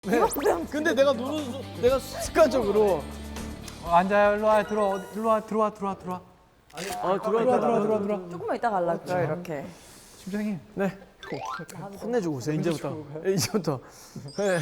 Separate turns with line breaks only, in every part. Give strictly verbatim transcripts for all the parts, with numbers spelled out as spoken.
네. 근데 내가 누르 내가 습관적으로
어, 앉아요. 일로 와. 들어. 일로 와. 들어와. 들어와. 들어와.
아
들어와.
들어와
들어와. 들어와. 들어와.
조금만 이따 갈라고요, 이렇게.
심장이.
네. 혼내주고 오세요 이제부터. 네, 이제부터. 네.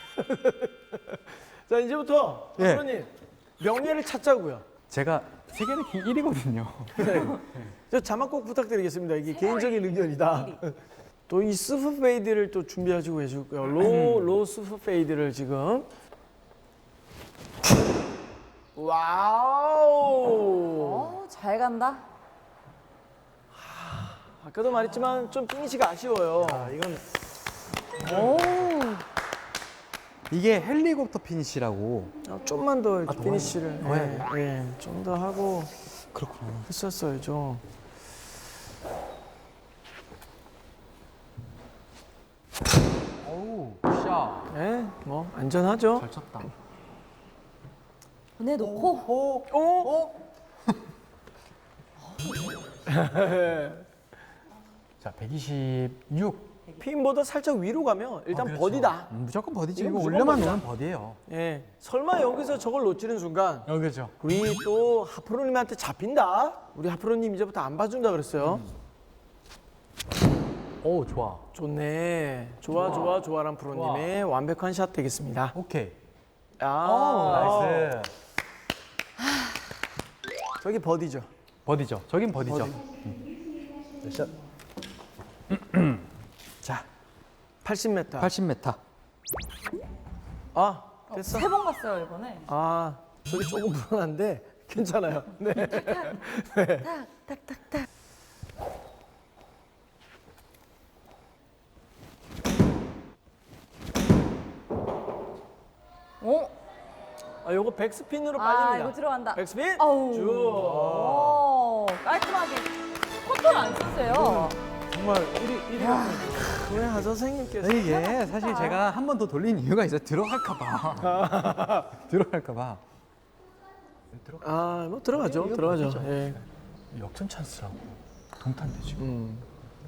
자 이제부터
예.
프로님 명예를 찾자고요.
제가 세계 랭킹 일 위거든요.
네. 저 자막 꼭 부탁드리겠습니다. 이게 개인적인 의견이다. 또 이 스프 페이드를 또 준비하시고 계시고요. 로, 로 스프 페이드를 지금. 와우.
어, 잘 간다.
아까도 말했지만 좀 피니시가 아쉬워요.
아, 이건
오.
이게 헬리콥터 피니시라고.
아, 좀만 더 이렇게
더
피니시를
더
예, 예, 좀 더 하고
그렇구나.
했었어야죠.
어우, 샤.
예, 뭐 안전하죠.
잘 쳤다.
보내놓고.
오,
어?
자, 백이십육.
핀보다 살짝 위로 가면 일단 버디다.
음, 무조건 버디지.
이거
이거
무조건
올려만
버디다.
놓으면 버디예요.
예, 설마 여기서 저걸 놓치는 순간
어, 그렇죠.
우리 또 하프로님한테 잡힌다. 우리 하프로님 이제부터 안 봐준다 그랬어요.
오, 좋아.
좋네. 좋아, 좋아, 좋아란 프로님의 완벽한 샷 되겠습니다.
오케이.
아,
나이스.
저기 버디죠.
버디죠. 저긴 버디죠.
버디.
샷.
자,
팔십 미터.
팔십 미터.
아, 됐어.
세 번 갔어요, 이번에.
아, 저기 조금 불안한데 괜찮아요. 네.
탁, 탁, 탁, 탁. 오.
아, 요거 백스핀으로
아,
빨립니다.
이거 들어간다.
백스핀.
아우.
쭉.
오, 깔끔하게. 코트를 안 쓰세요.
정말 우리 일위 우리 하서 선생님께서
이게 사실 제가 한 번 더 돌린 이유가 있어요. 들어갈까봐. 들어갈까봐.
아, 뭐 들어가죠.
이거
들어가죠.
버디죠.
예.
역전 찬스라고. 동탄대 지금.
음.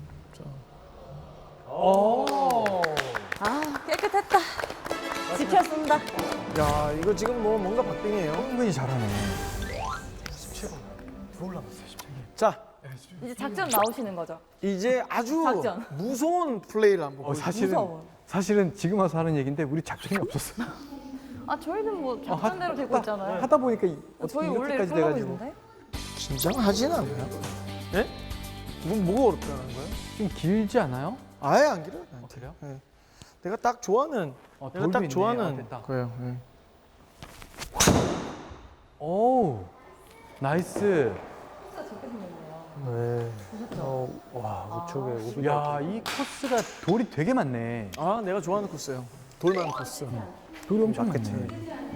아, 깨끗했다. 지켰습니다.
야, 이거 지금 뭐 뭔가 박빙이에요.
은근히 잘하네. 십칠 번. 들어올라갔어요, 십칠 번.
자,
이제 작전 나오시는 거죠?
이제 아주
작전.
무서운 플레이를 한번
어,
보여주세요.
사실은
무서워.
사실은 지금 와서 하는 얘기인데 우리 작전이 없었어.
아, 저희는 뭐
어, 하-
작전대로 되고
하다-
있잖아요.
하다 보니까 이- 어떻게
저희 원래
이렇게까지
이렇게 하고
돼가지고
있는데?
긴장하진 않아요. 예? 뭐 뭐가 어렵다는 거예요?
좀 길지 않아요?
아예 안 길어요. 나한테.
어, 그래요?
예. 내가 딱 좋아하는
어,
내가
돌도
딱
있네.
좋아하는
아, 됐다.
거예요. 예.
오, 나이스.
네. 어, 와, 우측에 오비.
야, 이 코스가 돌이 되게 많네.
아, 내가 좋아하는 코스예요. 돌만 코스.
돌이 엄청
맞겠지.
많네.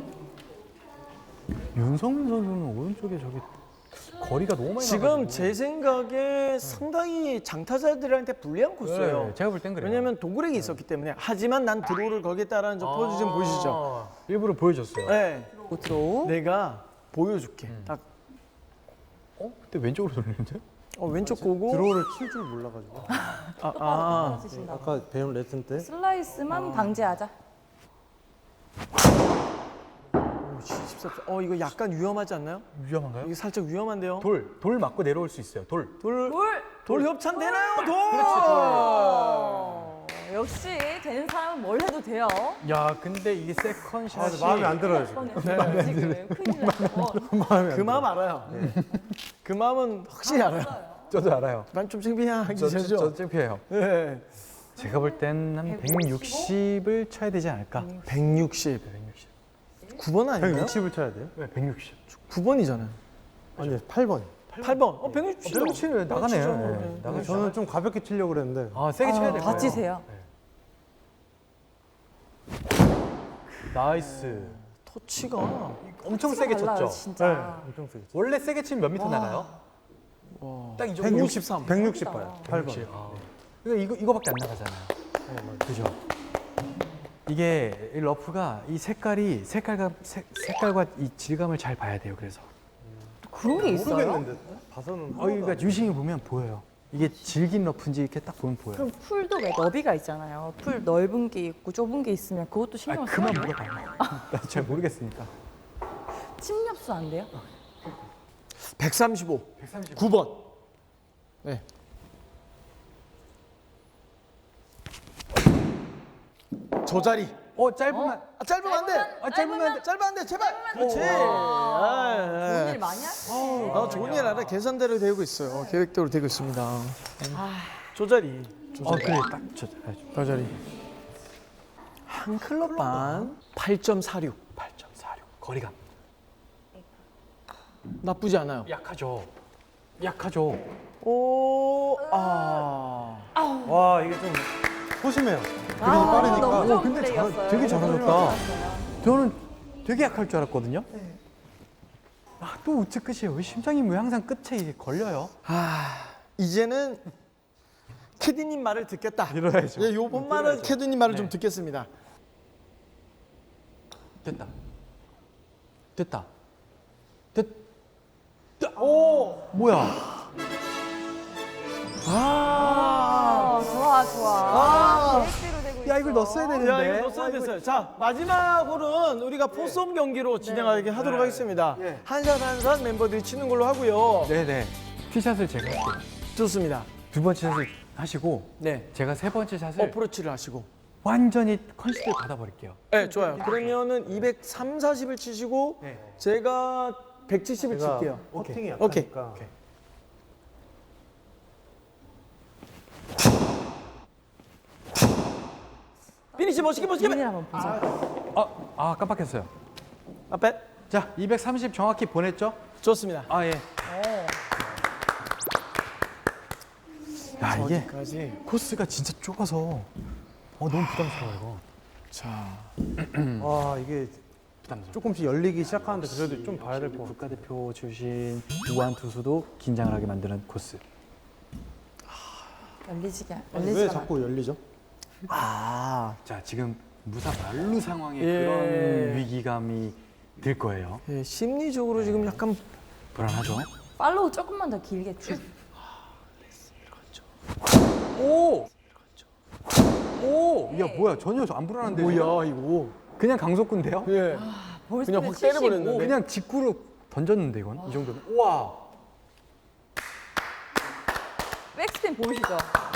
윤성민 선수는 오른쪽에 저기 거리가 너무 많이
지금
나가지고.
제 생각에 상당히 장타자들한테 불리한 코스예요.
네, 제가 볼 땐 그래요.
왜냐면 도그렉이 있었기 때문에. 하지만 난 드로우를 걸겠다라는 저 포즈 좀 보이시죠?
일부러 보여줬어요.
네.
들어.
내가 보여줄게. 딱
어? 그때 왼쪽으로 돌리는데?
어, 왼쪽 보고.
드로우를 칠 줄 몰라가지고.
아, 아.
쓰신다.
아까 배운 레슨 때
슬라이스만 방지하자.
오, 십사. 어, 이거 약간 위험하지 않나요?
위험한가요?
이게 살짝 위험한데요.
돌, 돌 맞고 내려올 수 있어요. 돌.
돌,
돌!
돌 협찬 되나요? 돌.
어, 역시 되는 사람은 뭘 해도 돼요.
야, 근데 이게 세컨샷이
마음에 안 들어요, 지금.
뻔했어요, 지금. 큰일 났어.
그 마음 알아요. 그 마음은 확실히 알아요.
저도 알아요.
난 좀 창피한
저, 저,
기자죠.
저 창피해요.
네.
제가 볼 땐 한 백육십을 쳐야 되지 않을까?
백육십.
백육십.
구 번 아닌가요?
백육십을 쳐야 돼요?
네, 백육십.
구 번이잖아요.
아니, 팔 번.
팔 번. 어, 백육십.
백육십은 나가네요. 네,
네.
나가죠.
저는 좀 가볍게 치려고 그랬는데.
아, 세게 쳐야 될 거예요.
다치세요.
나이스.
터치가
엄청 세게
달라요,
쳤죠?
진짜.
엄청 세게.
원래 세게 치면 몇 미터 나가요? 딱 이 정도.
백육십삼.
백육십 봐요. 팔 번.
백육십. 아. 그러니까 이거, 이거밖에 안 나가잖아요. 그죠? 이게 이 러프가 이 색깔이 색깔과 색, 색깔과 이 질감을 잘 봐야 돼요. 그래서
그런 게 있어요?
모르겠는데. 봐서는.
어, 그러니까 유심히 보면 보여요. 이게 질긴 러프인지 이렇게 딱 보면 보여요.
그럼 풀도 왜 너비가 있잖아요. 풀 넓은 게 있고 좁은 게 있으면 그것도
아,
신경 써요.
그만 물어봐요. 나 잘 모르겠으니까.
침엽수 안 돼요?
백삼십오.
백삼십오.
구 번. 네. 저 자리.
어, 짧으면.
아, 짧으면 안 돼.
아, 짧으면 안 돼.
짧으면 안 돼. 제발. 그렇지.
좋은
아,
일 많이 하시네.
아, 좋은 일 알아. 계산대로 되고 있어요. 계획대로 되고 있습니다.
아,
저 자리. 저
어,
자리.
그래. 딱 저, 아,
저 자리. 한 클럽 반 팔 점 사육.
팔 점 사육. 거리감.
나쁘지 않아요.
약하죠. 약하죠.
오, 아.
와 이게 좀 소심해요. 그림이
아,
빠르니까.
너무 좋은
어, 근데 잘-
플레이였어요.
되게 잘하셨다.
좋았어요.
저는 되게 약할 줄 알았거든요. 아, 또 우측 끝이에요. 왜 심장이 왜 항상 끝에 이게 걸려요?
아, 이제는 캐디님 말을 듣겠다.
들어야죠.
예, 요번 말은 캐디님 말을
네.
좀 듣겠습니다.
됐다. 됐다. 됐. 됐- 오, 뭐야?
아,
아, 좋아, 좋아. 아, 계획대로 되고 있어.
야, 이걸 넣었어야 되는데.
야, 이거 넣었어야 됐어요. 자, 마지막 홀은 우리가 포섬 경기로 진행하게 하도록 하겠습니다.
네.
한샷 한샷 멤버들이 치는 걸로 하고요.
네네. 티샷을 제가 할게요.
좋습니다.
두 번째 샷을 하시고
네.
제가 세 번째 샷을
어프로치를 하시고.
완전히 컨시드를 받아버릴게요.
네, 좋아요. 그러면은 이백삼, 사십을 치시고
네.
제가 백칠십을
제가
칠게요.
퍼팅이
오케이.
약하니까.
오케이.
피니시 멋있게 멋있게.
비밀 한번 보자.
아, 아 깜빡했어요.
앞에.
자, 이백삼십 정확히 보냈죠?
좋습니다.
아 예. 야 이게
여기까지.
코스가 진짜 좁아서 어 너무 부담스러워 이거.
자,
와 이게
부담스러워.
조금씩 열리기 시작하는데 그래도 좀 봐야 될 것 같아요.
국가대표 출신 우한 투수도 긴장을 하게 만드는 코스.
열리지가,
아니,
열리지가.
왜
마-
자꾸 열리죠?
아,
자 지금 무사 말루 상황의
예.
그런 위기감이 들 거예요.
예, 심리적으로 지금 약간
불안하죠?
팔로우 조금만 더 길게 쭉.
오! 오! 야 뭐야 전혀 안 불안한데?
뭐야 이거?
그냥 강속구인데요?
예,
벌써
그냥 확 때려버렸는데.
그냥 직구로 던졌는데 이건 이 정도면. 우와!
백스핀 보이시죠?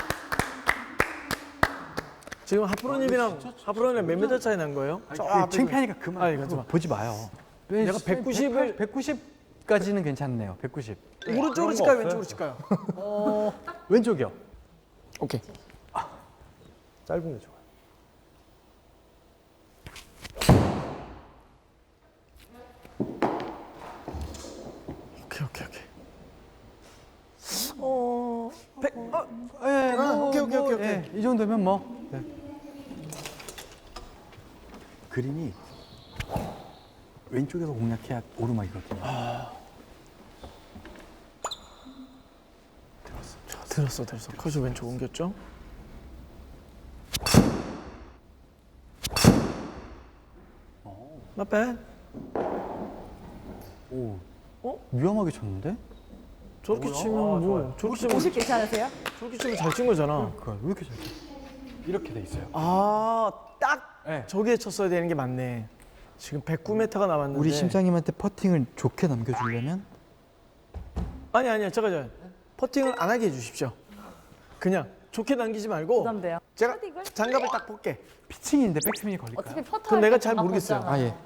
지금 하프로님이랑 하프로님 몇 미터 차이 난 거예요? 저
그
앞에
창피하니까 그만.
아니,
그거
가지 마.
보지 마요.
내가 백구십을
백구십까지는 괜찮네요. 백구십.
오른쪽으로
그런 거
칠까요?
없어요?
왼쪽으로 칠까요?
왼쪽이요.
오케이.
짧은 게 좋아요.
오케이 오케이 오케이. 어, 백, 어,
예,
아, 오케이, 오케이, 오케이, 오케이.
예, 이 정도면 뭐. 네. 그림이 왼쪽에서 공략해야 오르막이거든요.
자, 들었어 들었어. 커시 왼쪽 옮겼죠? Not bad.
오,
어?
위험하게 쳤는데?
저렇게 치면 뭐 저렇게 치면
오십 괜찮으세요?
저렇게 치면 잘 친 거잖아.
그왜 이렇게 잘 쳐? 이렇게 돼 있어요.
아, 딱
네.
저기에 쳤어야 되는 게 맞네. 지금 백구 미터가 남았는데.
우리 심장님한테 퍼팅을 좋게 남겨주려면
아니 아니요, 잠깐 잠깐. 퍼팅을 안 하게 해주십시오. 그냥 좋게 남기지 말고
부담돼요.
제가
퍼팅을?
장갑을 딱 볼게.
피칭인데 백스핀이 걸릴까요?
어차피 퍼터
그건 내가 잘 모르겠어요.
아 예.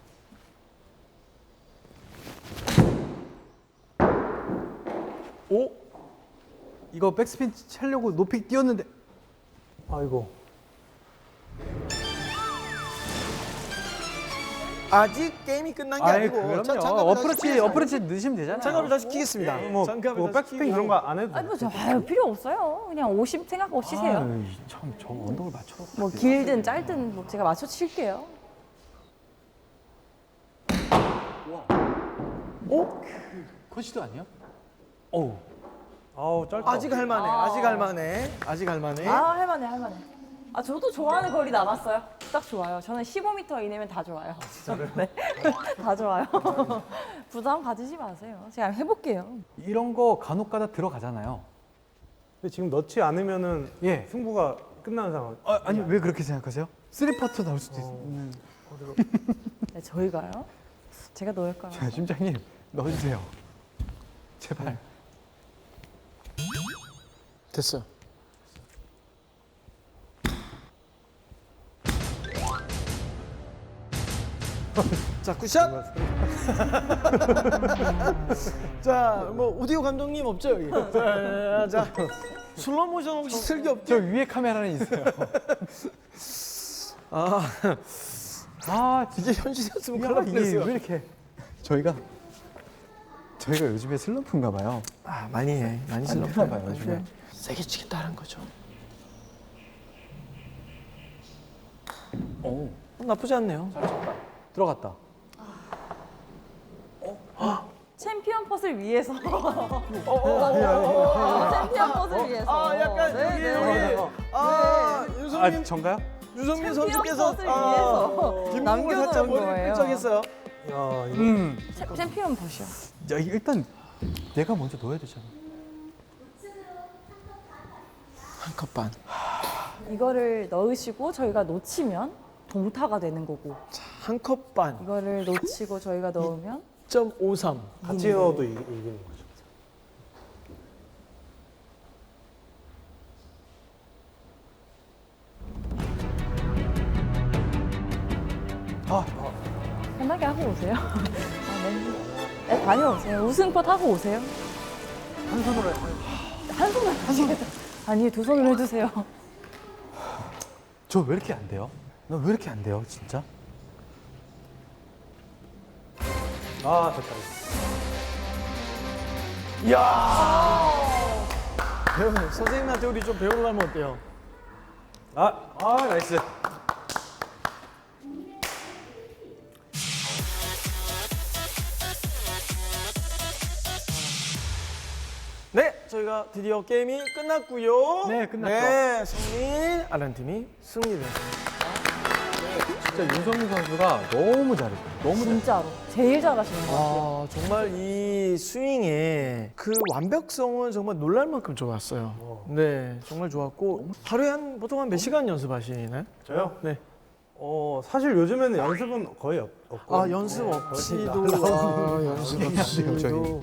오,
이거 백스핀 차려고 높이 뛰었는데
아이고.
아직 게임이 끝난 게
아이
아니고.
그럼요.
자, 장갑을 다시
어프로치
끼겠습니다.
어프로치 넣으시면 되잖아요.
장갑을 다시 끼겠습니다.
뭐,
장갑을
뭐
다시
백스핀
끼고.
그런 거 안 해도
아니
돼요.
뭐 저, 아유, 필요 없어요. 그냥 오십 생각하고 치세요.
참저 언덕을 맞춰.
뭐 길든 짧든 뭐 제가 맞춰 칠게요.
오,
컨시도 아니야? 어우.
아우 짧다.
아직 할만해. 아직 할만해. 아직 할만해.
아 할만해 할만해. 아 저도 좋아하는 거리 남았어요. 딱 좋아요. 저는 십오 미터 이내면 다 좋아요. 진짜로? 네. 다 좋아요. 부담 가지지 마세요. 제가 해볼게요.
이런 거 간혹가다 들어가잖아요.
근데 지금 넣지 않으면은
예.
승부가 끝나는 상황.
아, 아니 왜 그렇게 생각하세요? 쓰리 퍼터 나올 수도 있는.
네, 저희가요? 제가 넣을까요?
자, 심장님 넣어주세요. 제발.
됐어. 자, 굿샷. 자, 뭐 오디오 감독님 없죠 여기. 자, 자, 슬로 모션 혹시 슬기 없죠?
저 위에 카메라는 있어요.
아,
아,
이게 현실이었으면
야,
큰일 날
이게
뻔했어요.
왜 이렇게 저희가 저희가 요즘에 슬럼프인가 봐요.
아, 많이 해, 많이 슬로
되나 봐요, 요즘에.
세게 치겠다는 거죠.
오,
어, 나쁘지 않네요.
들어갔다.
챔피언 펫을 위해서.
어,
챔피언 펫을 위해서.
아, 약간
네,
여기
네.
여기. 아,
아,
유성민
전가요?
유성민
챔피언
선수께서
펫을 위해서
뒷목을
남겨놓은
살짝 머리를
거예요.
끈적했어요.
야, 이거
음.
챔- 챔피언 펫이요.
야, 이거 일단 내가 먼저 넣어야 되잖아.
한 컵 반.
이거를 넣으시고 저희가 놓치면 동타가 되는 거고,
한 컵 반.
이거를 놓치고 저희가 넣으면
이 점 오삼.
같이 넣어도 이- 이기는 거죠.
편하게 하고 오세요. 아, 네. 네, 다녀오세요. 우승pot 하고 오세요.
한 손으로 해.
한 손으로 하시겠다. 아니, 두 손으로 해주세요.
저 왜 이렇게 안 돼요? 나 왜 이렇게 안 돼요, 진짜?
아, 됐다.
이야. 배우 선생님한테 우리 좀 배우려면 어때요?
아, 아, 나이스.
네, 저희가 드디어 게임이 끝났고요.
네, 끝났죠.
네, 승민 아란 팀이 승리했습니다.
진짜 윤성민 선수가 너무 잘했어. 너무 잘했어.
진짜로. 제일 잘하시는 것 같아요.
아, 정말 이 스윙의 그 완벽성은 정말 놀랄 만큼 좋았어요. 네, 정말 좋았고 하루에 한 보통 한 몇 시간 연습하시나요?
저요?
네.
어, 사실 요즘에는 연습은 거의 없, 없고.
아, 연습 없이도 아, 연습 없이도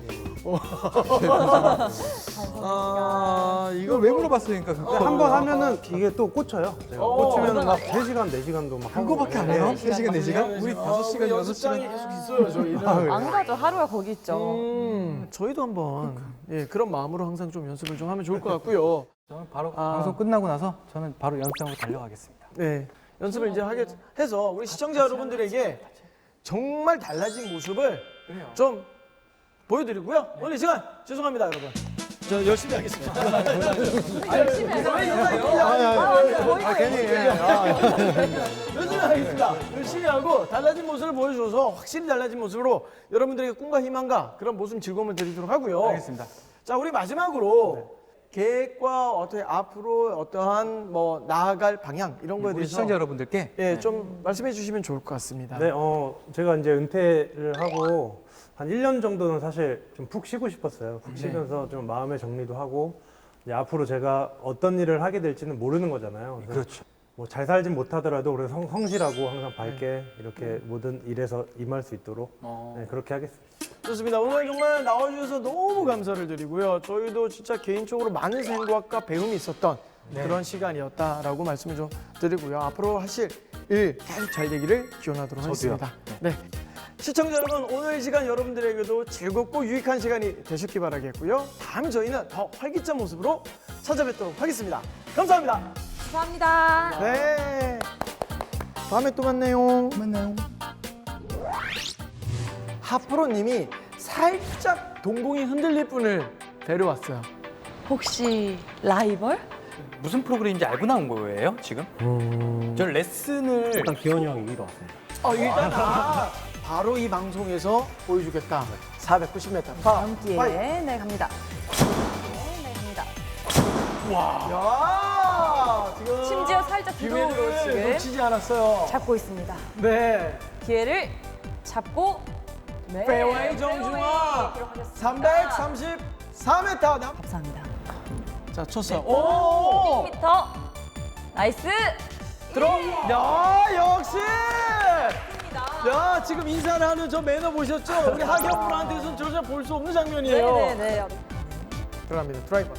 아,
이걸
이걸
왜 물어봤으니까 그거
한 번 하면은 이게 또 꽂혀요. 제가
어,
꽂히면 막 세 시간, 네 시간도 막 하고.
그거밖에 안 해요? 세 시간, 네 시간? 우리
아,
다섯 시간, 여섯
연습장이
시간.
계속 있어요, 저희는.
안 가죠. 하루가 거기 있죠.
음, 저희도 한번 예, 그런 마음으로 항상 좀 연습을 좀 하면 좋을 것 같고요.
저는 바로
아.
방송 끝나고 나서 저는 바로 연습장으로 달려가겠습니다.
네, 연습을 이제 하게 해서 우리 시청자 여러분들에게 정말 달라진 모습을 좀 보여드리고요. 오늘 이 시간 죄송합니다, 여러분. 저 열심히 하겠습니다.
열심히 해요.
아, 괜히 열심히 하겠습니다. 열심히 하고 달라진 모습을 보여줘서 확실히 달라진 모습으로 여러분들에게 꿈과 희망과 그런 모습 즐거움을 드리도록 하고요.
알겠습니다.
자, 우리 마지막으로 계획과 어떻게 앞으로 어떠한 뭐 나아갈 방향 이런 거에
우리
대해서
시청자 여러분들께
예, 좀 말씀해 주시면 좋을 것 같습니다.
네, 어, 제가 이제 은퇴를 하고 한 일 년 정도는 사실 좀 푹 쉬고 싶었어요. 푹 쉬면서 좀 마음의 정리도 하고 이제 앞으로 제가 어떤 일을 하게 될지는 모르는 거잖아요. 그래서
그렇죠.
뭐 잘 살진 못하더라도 우리 성, 성실하고 항상 밝게 이렇게 모든 일에서 임할 수 있도록
어.
네, 그렇게 하겠습니다.
좋습니다. 오늘 정말 나와주셔서 너무 감사를 드리고요. 저희도 진짜 개인적으로 많은 생각과 배움이 있었던 그런 시간이었다라고 말씀을 좀 드리고요. 앞으로 하실 일 계속 잘 되기를 기원하도록 하겠습니다. 네. 시청자 여러분, 오늘 이 시간 여러분들에게도 즐겁고 유익한 시간이 되셨기 바라겠고요. 다음 저희는 더 활기찬 모습으로 찾아뵙도록 하겠습니다. 감사합니다.
감사합니다.
네. 다음에 또 만나요.
만나요.
하프로님이 살짝 동공이 흔들릴 분을 데려왔어요.
혹시 라이벌?
무슨 프로그램인지 알고 나온 거예요, 지금? 저는 레슨을
일단 기현이 형이 이기러 왔습니다.
어, 일단 아, 바로 이 방송에서 보여주겠다. 사백구십 미터 파.
다음 기회에
파이.
네 갑니다. 네, 네 갑니다.
야, 지금
심지어 살짝 뒤로
기회를
지금
놓치지 않았어요.
잡고 있습니다.
네.
기회를 잡고 네.
페어웨이 정중앙
기록하겠습니다.
삼백삼십사 미터.
감사합니다.
자, 쳤어요. 오!
백 미터. 나이스.
들어. 야, 역시! 야, 지금 인사를 하는 저 매너 보셨죠? 우리 하경 프로한테서는 저자 볼 수 없는 장면이에요.
네네네.
들어갑니다. 드라이버.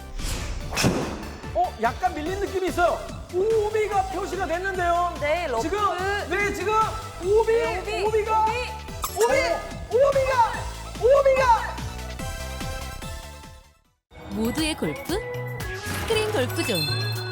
어, 약간 밀린 느낌이 있어요. 오비가 표시가 됐는데요.
네, 러프.
지금, 네, 지금 오비,
네, 오비,
오비가,
오비.
오비, 오비가, 오비가.
모두의 골프 스크린 골프존.